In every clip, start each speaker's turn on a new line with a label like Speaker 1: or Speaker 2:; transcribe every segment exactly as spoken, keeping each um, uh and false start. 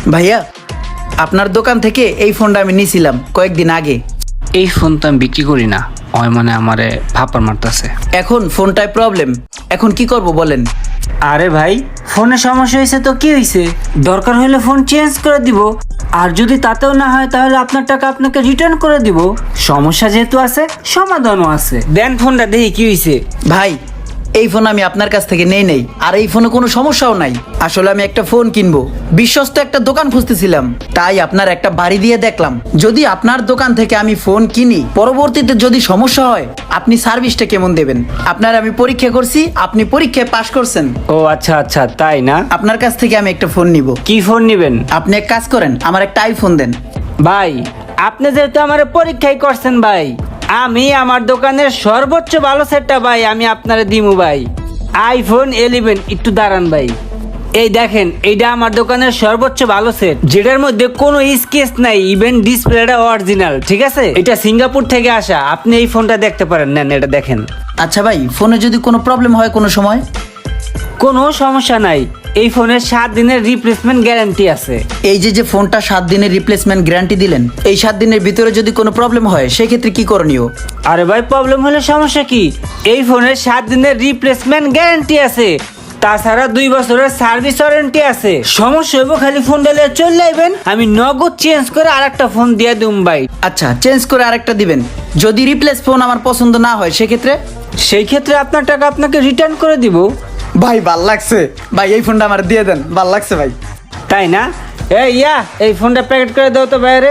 Speaker 1: ভাইয়া, আপনার দোকান থেকে এই ফোনটা আমি নিয়েছিলাম কয়েকদিন আগে।
Speaker 2: এই ফোন তো আমি বিক্রি করি না, ওই মানে আমারে ভাপার মারতেছে।
Speaker 1: এখন ফোনটায় প্রবলেম, এখন কি করব বলেন?
Speaker 3: আরে ভাই, ফোনে সমস্যা হয়েছে তো কি হয়েছে, দরকার হলে ফোন চেঞ্জ করে দিব। আর যদি তাতেও না হয় তাহলে আপনার টাকা আপনাকে রিটার্ন করে দিব। সমস্যা যেহেতু আছে সমাধানও আছে। দেন ফোনটা দেখি কি হয়েছে।
Speaker 1: ভাই, এই ফোন আমি আপনার কাছ থেকে নেই নেই, আর এই ফোনে কোনো সমস্যাও নাই। আসলে আমি একটা ফোন কিনবো, বিশ্বস্ত একটা দোকান খুঁজতেছিলাম, তাই আপনার একটা বাড়ি দিয়ে দেখলাম। যদি আপনার দোকান থেকে আমি ফোন কিনি, পরবর্তীতে যদি সমস্যা হয়, আপনি সার্ভিসটা কেমন দেবেন? আপনার আমি পরীক্ষা করছি, আপনি পরীক্ষায় পাশ করছেন।
Speaker 3: ও আচ্ছা আচ্ছা, তাই না?
Speaker 1: আপনার কাছ থেকে আমি একটা ফোন নিব।
Speaker 3: কি ফোন নেবেন?
Speaker 1: আপনি এক কাজ করেন, আমার একটা আইফোন দেন।
Speaker 3: ভাই, আপনি যেহেতু আমার পরীক্ষাই করছেন ভাই, আমি আমার দোকানের সর্বোচ্চ ভালো সেটটা ভাই আমি আপনারে দিমু ভাই। IPhone eleven. একটু দাঁড়ান ভাই, এই দেখেন, এইটা আমার দোকানের সর্বোচ্চ ভালো সেট, যেটার মধ্যে কোনো স্কেচ নাই, ইভেন ডিসপ্লেটা অরিজিনাল। ঠিক আছে, এটা সিঙ্গাপুর থেকে আসা। আপনি এই ফোনটা দেখতে পারেন, নেন এটা দেখেন।
Speaker 1: আচ্ছা ভাই, ফোনে যদি কোনো প্রবলেম হয় কোনো সময়?
Speaker 3: কোনো সমস্যা নাই, এই ফোনের সাত দিনের রিপ্লেসমেন্ট গ্যারান্টি আছে।
Speaker 1: এই যে যে ফোনটা সাত দিনের রিপ্লেসমেন্ট গ্যারান্টি দিলেন, এই সাত দিনের ভিতরে যদি কোনো প্রবলেম হয় সেক্ষেত্রে কি করণীয়?
Speaker 3: আরে ভাই, প্রবলেম হলে সমস্যা কি, এই ফোনের সাত দিনের রিপ্লেসমেন্ট গ্যারান্টি আছে, তাছাড়া দুই বছরের সার্ভিস ওয়ারেন্টি আছে। সমস্যা হইব খালি ফোন দিলে চলে যাবেন, আমি নগদ চেঞ্জ করে আরেকটা ফোন দিয়ে দিম ভাই।
Speaker 1: আচ্ছা, চেঞ্জ করে আরেকটা দিবেন। যদি রিপ্লেস ফোন আমার পছন্দ না হয় সেক্ষেত্রে?
Speaker 3: সেই ক্ষেত্রে আপনার টাকা আপনাকে রিটার্ন করে দিব।
Speaker 1: ভাই ভাল লাগছে ভাই, এই ফোনটা আমার দিয়ে দেন, ভাল লাগছে ভাই।
Speaker 3: তাই না? এই ইয়া, এই ফোনটা প্যাকেট করে দাও তো বাইরে।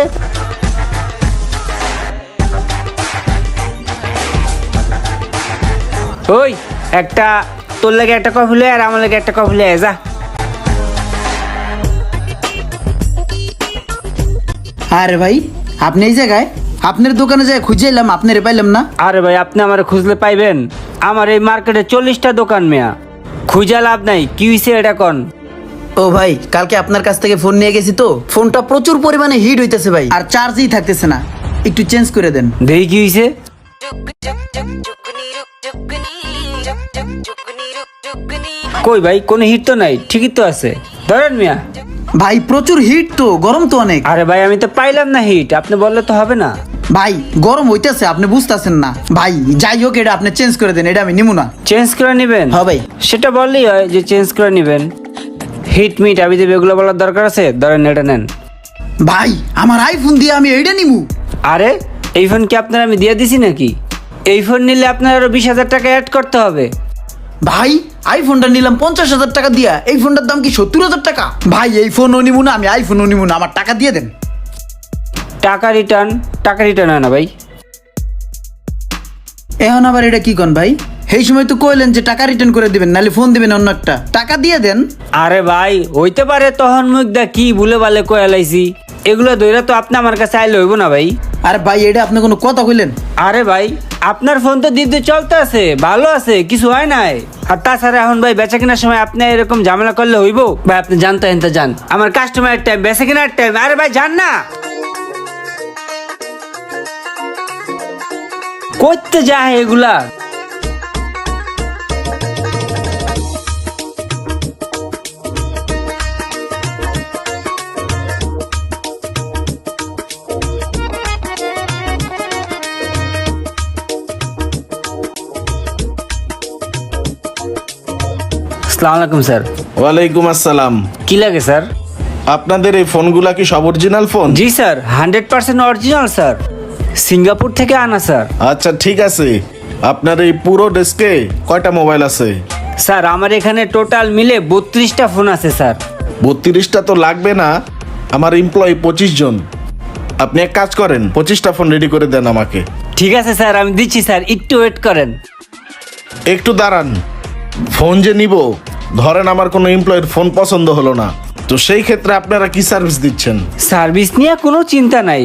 Speaker 3: ওই একটা তোর লাগে একটা কফি লে, আর আমার লাগে একটা কফি লে যা।
Speaker 1: আরে ভাই, আপনি এই জায়গায়, আপনার দোকানে যাই খুঁজে এলাম, আপনারে পাইলাম না।
Speaker 3: আরে ভাই, আপনি আমার খুঁজলে পাইবেন? আমার এই মার্কেটে চল্লিশটা দোকান মেয়া, খুঁজা লাভ নাই। কি হয়েছে এটা কন?
Speaker 1: ও ভাই, কালকে আপনার কাছ থেকে ফোন নিয়ে গেছি তো, ফোনটা প্রচুর পরিমাণে হিট হইতেছে ভাই, আর চার্জই থাকতেছে না, একটু চেঞ্জ করে দেন।
Speaker 3: দেখি কি হয়েছে। কই ভাই, কোনো হিট তো নাই, ঠিকই তো আছে। ধরেন মিয়া।
Speaker 1: ভাই প্রচুর হিট তো, গরম তো অনেক।
Speaker 3: আরে ভাই, আমি তো পাইলাম না হিট, আপনি বললে তো হবে না।
Speaker 1: ভাই গরম হইতেছে, আপনি বুঝতেছেন না ভাই। যাই হোক, এটা আপনি চেঞ্জ করে দেন, এটা আমি নিবো না।
Speaker 3: চেঞ্জ করে নেবেন?
Speaker 1: হ্যাঁ ভাই।
Speaker 3: সেটা বললেই হয় যে চেঞ্জ করে নেবেন। হিট মিট আমি দেবে এগুলো বলার দরকার আছে? ধরেন এটা নেন।
Speaker 1: ভাই, আমার আইফোন দিয়ে আমি এইটা নিবো?
Speaker 3: আরে, এই ফোন কি আপনার আমি দিয়ে দিছি নাকি? এই ফোন নিলে আপনার আরো বিশ হাজার টাকা অ্যাড করতে হবে।
Speaker 1: ভাই, আইফোনটা নিলাম পঞ্চাশ হাজার টাকা দিয়া, এই ফোনটার দাম কি সত্তর হাজার টাকা? ভাই, এই ফোনও নিবো না, আমি আইফোনও নিবো না, আমার টাকা দিয়ে দেন।
Speaker 3: টাকা রিটার্ন? টাকা রিটার্ন হয় না ভাই।
Speaker 1: এখন আবার এটা কি কন ভাই? সেই সময় তো কইলেন যে টাকা রিটার্ন করে দিবেন, নাহলে ফোন দিবেন অন্য একটা। টাকা দিয়ে দেন।
Speaker 3: আরে ভাই, হইতে পারে তখন মুখ দা কি ভুলে ভালে কয়ালাইছি, এগুলো ধইরা তো আপনি আমার কাছে আইলে হইব না ভাই।
Speaker 1: আরে ভাই, এটা আপনি কোনো কথা কইলেন?
Speaker 3: আরে ভাই, আপনার ফোন তো দিতে চলতে আছে, ভালো আছে, কিছু হয় নাই। আর তাছাড়া এখন ভাই বেচা কেনার সময় আপনি এরকম ঝামেলা করলে হইব ভাই? আপনি জানতে হেনতে যান, আমার কাস্টমারের টাইম, বেচা কেনার টাইম। আরে ভাই যান না, করতে যায় এগুলা। আসসালামু আলাইকুম স্যার।
Speaker 4: ওয়ালাইকুম আসসালাম।
Speaker 3: কি লাগে স্যার?
Speaker 4: আপনাদের এই ফোনগুলা কি সব অরিজিনাল ফোন?
Speaker 3: জি sir, hundred percent original sir, Singapore থেকে আনা স্যার।
Speaker 4: আচ্ছা ঠিক আছে, আপনার এই পুরো ডেস্কে কয়টা মোবাইল আছে?
Speaker 3: স্যার, আমার এখানে টোটাল মিলে বত্রিশটা ফোন আছে স্যার।
Speaker 4: বত্রিশটা তো লাগবে না, আমার এমপ্লয়ি পঁচিশ জন। আপনি এক কাজ করেন, পঁচিশটা ফোন রেডি করে দেন আমাকে।
Speaker 3: ঠিক আছে স্যার, আমি দিচ্ছি স্যার, একটু ওয়েট করেন।
Speaker 4: একটু দাঁড়ান, ফোন যে নিব, ধরেন আমার কোনো এমপ্লয়ের ফোন পছন্দ হলো না, তো সেই ক্ষেত্রে আপনারা কি সার্ভিস দিচ্ছেন?
Speaker 3: সার্ভিস নিয়ে কোনো চিন্তা নাই,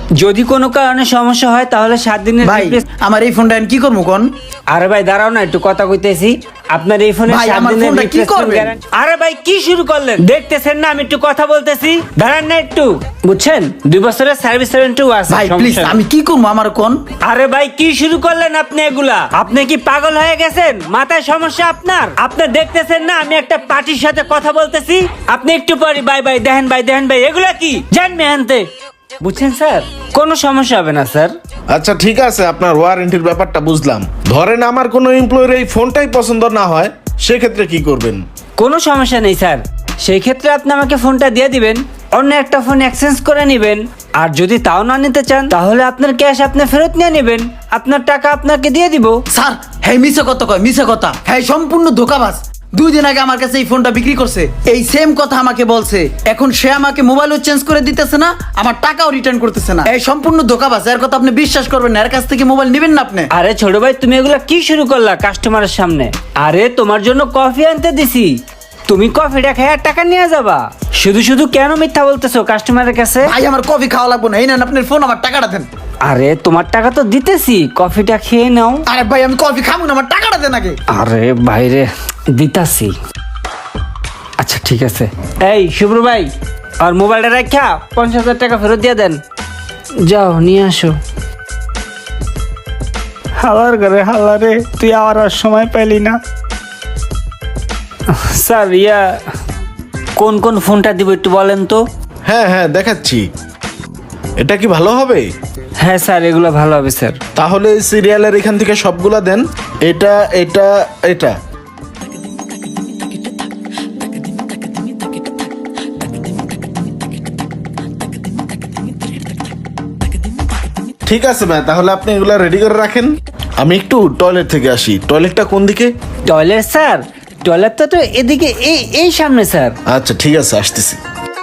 Speaker 3: যদি কোনো কারণে সমস্যা হয় তাহলে সাত দিনের
Speaker 1: ভাই
Speaker 3: replace-
Speaker 1: আমার এই ফোনটা কি করবো কোন?
Speaker 3: আরে ভাই দাঁড়াও না, একটু কথা কইতেছি। আপনার এই ফোনে
Speaker 1: ভাই,
Speaker 3: সাত
Speaker 1: আমার
Speaker 3: দিনের
Speaker 1: ফোনটা কি
Speaker 3: replacement
Speaker 1: করবেন?
Speaker 3: guarantee- আরে ভাই কি শুরু করলেন? দেখতেছেন না আমি একটু কথা বলতেছি, দাঁড়ান না একটু। বুঝছেন, দুই বছরের সার্ভিস ওয়ারেন্টি আছে।
Speaker 1: ভাই প্লিজ,
Speaker 3: সমস্যা নেই।
Speaker 1: আমি কি করবো আমার কোন?
Speaker 3: আরে ভাই কি শুরু করলেন আপনি এগুলা? আপনি কি পাগল হয়ে গেছেন? মাথায় সমস্যা আপনার? আপনি দেখতেছেন না আমি একটা পার্টির সাথে কথা বলতেছি? আপনি একটু পরে বাই বাই দেখেন ভাই দেখেন ভাই এগুলা কি জানবে আনতে, বুঝছেন স্যার? কোনো সমস্যা হবে না স্যার।
Speaker 4: আচ্ছা ঠিক আছে, আপনার ওয়ারেন্টির ব্যাপারটা বুঝলাম। ধরেন আমার কোনো এমপ্লয়ের এই ফোনটাই পছন্দ না হয়, সেক্ষেত্রে কি করবেন?
Speaker 3: কোনো সমস্যা নেই স্যার, সেই ক্ষেত্রে আপনি আমাকে ফোনটা দিয়ে দিবেন, অন্য একটা ফোন এক্সচেঞ্জ করে নেবেন। আর যদি তাও না নিতে চান তাহলে আপনার ক্যাশ আপনি ফেরত নিয়ে নেবেন, আপনার টাকা আপনাকে দিয়ে দিব।
Speaker 1: স্যার হ্যাঁ মিছে কথা কয়, মিছে কথা। হ্যাঁ সম্পূর্ণ ধোকাবাজ। দুই দিন আগে আমার কাছে এই ফোনটা বিক্রি করছে, এই সেম কথা আমাকে বলছে। এখন সে আমাকে মোবাইলও চেঞ্জ করে দিতেছে না, আমার টাকাও রিটার্ন করতেছে না। এই সম্পূর্ণ ধোকাবাজ, এর কথা আপনি বিশ্বাস করবেন না। এর কাছ থেকে মোবাইল নেবেন না আপনি।
Speaker 3: আরে ছোট ভাই তুমি এগুলা কি শুরু করলা কাস্টমারের সামনে? আরে তোমার জন্য কফি আনতে দিছি, তুমি কফিটা খেয়ে আর টাকা নিয়ে যাবা। শুধু শুধু কেন মিথ্যা বলতেছো কাস্টমারের কাছে?
Speaker 1: ভাই আমার কফি খাওয়া লাগবে না, এই নেন আপনার ফোন, আমার টাকাটা দেন।
Speaker 3: আরে তোমার টাকা তো দিতেছি, কফিটা খেয়ে নাও।
Speaker 1: আরে ভাই আমি কফি খাবো না, আমার টাকাটা দেন আগে।
Speaker 3: আরে বাইরে দিতাছি। আচ্ছা ঠিক আছে, এই শুভ্র ভাই আর মোবাইলটা রাখা পঞ্চাশ হাজার টাকা ফেরত দিয়ে দেন। যাও নিয়ে আসো।
Speaker 5: হালার ঘরে হালারে, তুই আর আর সময় পেলি না।
Speaker 3: স্যার ইয়া কোন কোন ফোনটা দিব একটু বলেন তো?
Speaker 4: হ্যাঁ হ্যাঁ দেখাচ্ছি। এটা কি ভালো হবে?
Speaker 3: হ্যাঁ স্যার এগুলো ভালো হবে স্যার।
Speaker 4: তাহলে সিরিয়ালের এখান থেকে সবগুলা দেন। এটা এটা এটা ঠিক আছে ভাই, তাহলে আপনি এগুলা রেডি করে রাখেন। আমি একটু টয়লেট থেকে আসি। টয়লেটটা কোন দিকে?
Speaker 3: টয়লেট স্যার, টয়লেট তো তো এদিকে, এই এই সামনে স্যার।
Speaker 4: আচ্ছা ঠিক আছে, আসতেছি।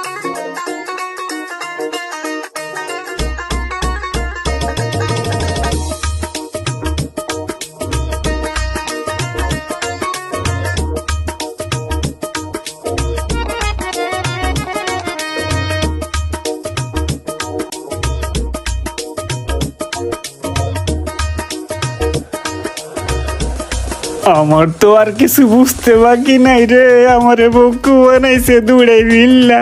Speaker 5: আমার তো আর কিছু বুঝতে বাকি নাই রে, আমারে বকু বানাইছে দূরে বিল্লা।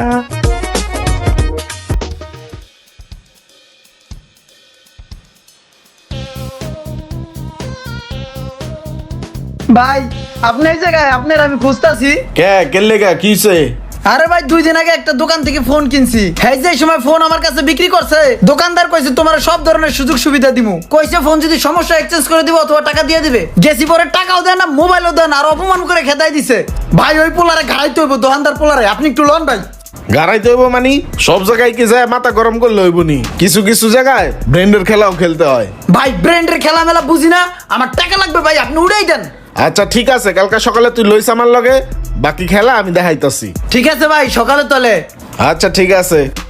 Speaker 1: ভাই আপনি এই জায়গায়, আপনার আমি খুঁজতাছি।
Speaker 4: কে কেলে গা কিছে?
Speaker 1: আরে ভাই দুই দিন আগে একটা দোকান থেকে ফোন কিনছি, হ্যাঁ যে সময় ফোন আমার কাছে বিক্রি করছে, দোকানদার কইছে তোমার সব ধরনের সুযোগ সুবিধা দিমু। কইছে ফোন যদি সমস্যা এক্সচেঞ্জ করে দিব অথবা টাকা দিয়ে দিবে। গেছি পরে টাকাও দেয় না, মোবাইলও দেয় না, আর অপমান করে খেদাই দিছে। ভাই ওই পোলারে ঘাড়াইতে হইব, দোকানদার পোলারে। আপনি একটু লন ভাই।
Speaker 4: গাড়াইতে হইব মানে? সব জায়গায় কি যায় মাথা গরম করলে হইব নি? কিছু কিছু জায়গায় ব্রেন্ডের খেলাও খেলতে হয়।
Speaker 1: ভাই ব্র্যান্ডের খেলা মেলা বুঝি না, আমার টাকা লাগবে ভাই, আপনি উড়াই দেন।
Speaker 4: আচ্ছা ঠিক আছে, কালকে সকালে তুই লইস আমার লগে, বাকি খেলা আমি দেখাইতাছি।
Speaker 1: ঠিক আছে ভাই, সকালে তলে।
Speaker 4: আচ্ছা ঠিক আছে।